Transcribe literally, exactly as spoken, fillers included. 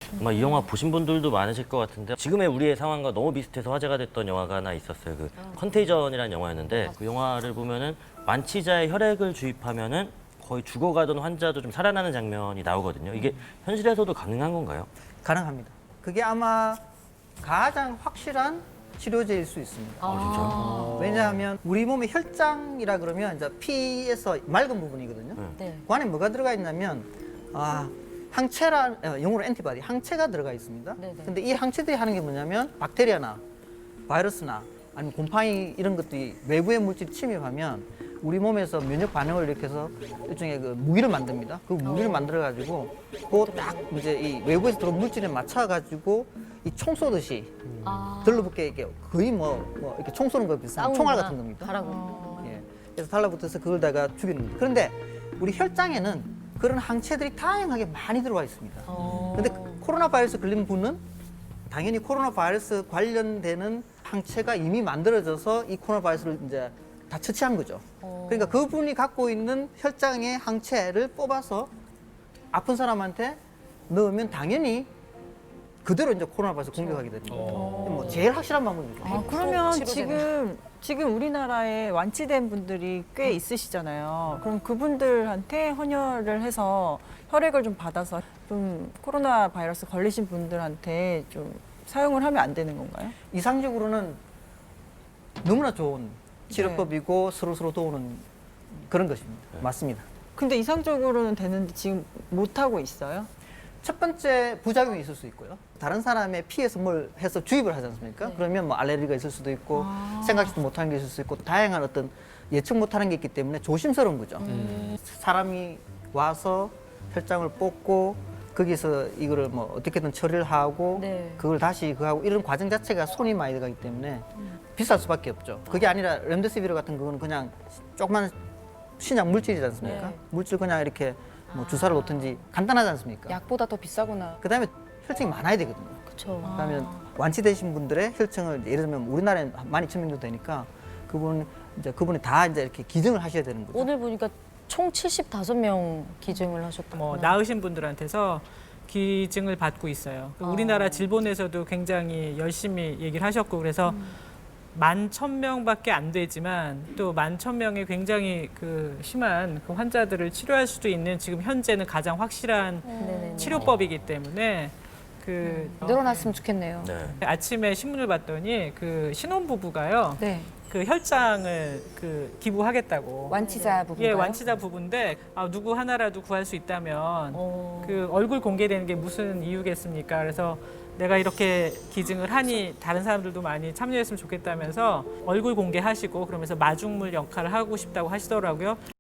아마 이 영화 보신 분들도 많으실 것 같은데 지금의 우리의 상황과 너무 비슷해서 화제가 됐던 영화가 하나 있었어요. 그 컨테이전이라는 영화였는데 그 영화를 보면은 완치자의 혈액을 주입하면은 거의 죽어가던 환자도 좀 살아나는 장면이 나오거든요. 이게 현실에서도 가능한 건가요? 가능합니다. 그게 아마 가장 확실한 치료제일 수 있습니다. 아, 진짜요? 왜냐하면 우리 몸의 혈장이라 그러면 이제 피에서 맑은 부분이거든요. 네. 그 안에 뭐가 들어가 있냐면 아, 항체라 어, 영어로 엔티바디 항체가 들어가 있습니다. 네네. 근데 이 항체들이 하는 게 뭐냐면 박테리아나 바이러스나 아니면 곰팡이 이런 것들이 외부의 물질이 침입하면 우리 몸에서 면역 반응을 일으켜서 일종의 그 무기를 만듭니다. 그 무기를 만들어 가지고 그딱 이제 이 외부에서 들어온 물질에 맞춰 가지고 이 총 쏘듯이 아. 들러붙게 이렇게 거의 뭐, 뭐 이렇게 총 쏘는 거 비슷한 총알 같은 겁니다. 하라고. 예. 그래서 달라붙어서 그걸 다가 죽이는 겁니다. 그런데 우리 혈장에는 그런 항체들이 다양하게 많이 들어와 있습니다. 어. 근데 코로나 바이러스 걸린 분은 당연히 코로나 바이러스 관련되는 항체가 이미 만들어져서 이 코로나 바이러스를 이제 다 처치한 거죠. 어. 그러니까 그분이 갖고 있는 혈장의 항체를 뽑아서 아픈 사람한테 넣으면 당연히 그대로 이제 코로나 바이러스 공격하게 됩니다. 뭐 제일 확실한 방법이죠. 아, 그러면 치료제네. 지금 지금 우리나라에 완치된 분들이 꽤 있으시잖아요. 그럼 그분들한테 헌혈을 해서 혈액을 좀 받아서 좀 코로나 바이러스 걸리신 분들한테 좀 사용을 하면 안 되는 건가요? 이상적으로는 너무나 좋은 치료법이고 서로 서로 도우는 그런 것입니다. 맞습니다. 근데 이상적으로는 되는데 지금 못 하고 있어요? 첫 번째 부작용이 있을 수 있고요. 다른 사람의 피에서 뭘 해서 주입을 하지 않습니까? 그러면 뭐 알레르기가 있을 수도 있고 생각지도 못하는 게 있을 수 있고 다양한 어떤 예측 못하는 게 있기 때문에 조심스러운 거죠. 사람이 와서 혈장을 뽑고 거기서 이거를 뭐 어떻게든 처리를 하고 네. 그걸 다시 그 하고 이런 과정 자체가 손이 많이 들어가기 때문에 비쌀 수밖에 없죠. 그게 아니라 렘데시비르 같은 거는 그냥 조그만 신약 물질이지 않습니까? 네. 물질 그냥 이렇게 뭐 주사를 놓든지 간단하지 않습니까? 약보다 더 비싸구나. 그다음에 혈증이 많아야 되거든요. 그렇죠. 그러면 완치되신 분들의 혈증을 예를 들면 우리나라에 만 이천 명 정도 되니까 그분 이제 그분이 다 이제 이렇게 기증을 하셔야 되는 거죠. 오늘 보니까 총 칠십오 명 기증을 하셨다고. 뭐 나으신 분들한테서 기증을 받고 있어요. 그 어. 우리나라 질본에서도 굉장히 열심히 얘기를 하셨고 그래서 만 천 명밖에 안 되지만 또 만 천 명의 굉장히 그 심한 그 환자들을 치료할 수도 있는 지금 현재는 가장 확실한 네네네. 치료법이기 때문에 그 늘어났으면 좋겠네요. 네. 아침에 신문을 봤더니 그 신혼부부가요. 네. 그 혈장을 그 기부하겠다고. 완치자 부분. 예, 완치자 부부인데 아, 누구 하나라도 구할 수 있다면 어. 그 얼굴 공개되는 게 무슨 이유겠습니까? 그래서 내가 이렇게 기증을 하니 다른 사람들도 많이 참여했으면 좋겠다면서 얼굴 공개하시고 그러면서 마중물 역할을 하고 싶다고 하시더라고요.